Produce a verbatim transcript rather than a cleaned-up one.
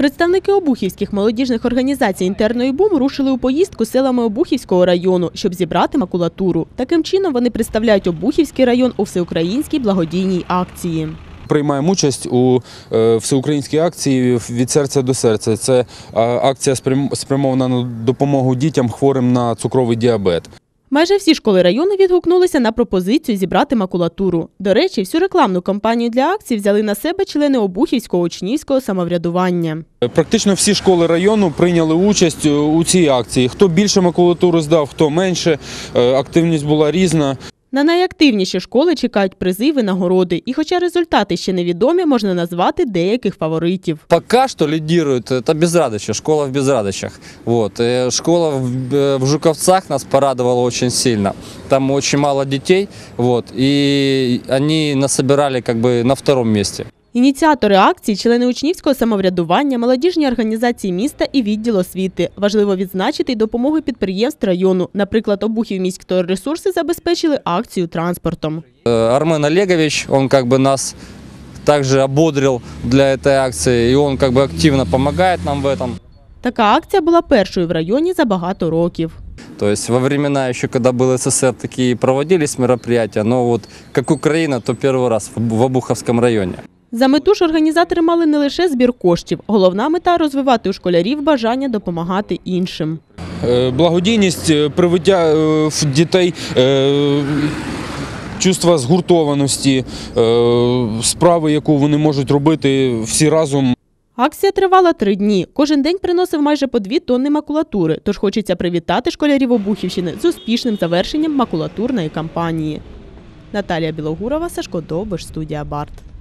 Представники обухівських молодіжних організацій «Інтерно» і «Бум» рушили у поїздку селами Обухівського району, щоб зібрати макулатуру. Таким чином вони представляють Обухівський район у всеукраїнській благодійній акції. Приймаємо участь у всеукраїнській акції «Від серця до серця». Це акція спрямована на допомогу дітям, хворим на цукровий діабет. Майже всі школи району відгукнулися на пропозицію зібрати макулатуру. До речі, всю рекламну кампанію для акції взяли на себе члени Обухівського учнівського самоврядування. Практично всі школи району прийняли участь у цій акції. Хто більше макулатури здав, хто менше. Активність була різна. На найактивніші школи чекають призи і винагороди. І хоча результати ще невідомі, можна назвати деяких фаворитів. Поки що лідирує це Безрадичі, школа в Безрадичах. Вот. Школа в Жуковцах нас порадувала дуже сильно. Там дуже мало дітей, вот. І вони насобирали как бы на другому місці. Ініціатори акції – члени учнівського самоврядування, молодіжні організації міста і відділ освіти. Важливо відзначити й допомогу підприємств району. Наприклад, Обухівміськторресурси забезпечили акцію транспортом. Армен Олегович, він как бы нас також ободрив для цієї акції, і він как бы активно допомагає нам в цьому. Така акція була першою в районі за багато років. То есть во времена еще, когда был СССР, такие проводились мероприятия, но вот как Украина, то перший раз в Обуховському районі. За мету ж організатори мали не лише збір коштів. Головна мета – розвивати у школярів бажання допомагати іншим. Благодійність, привиття в дітей чувства згуртованості, справи, яку вони можуть робити всі разом. Акція тривала три дні. Кожен день приносив майже по дві тонни макулатури. Тож хочеться привітати школярів Обухівщини з успішним завершенням макулатурної кампанії. Наталія Білогурова, Сашко Довбиш, студія Барт.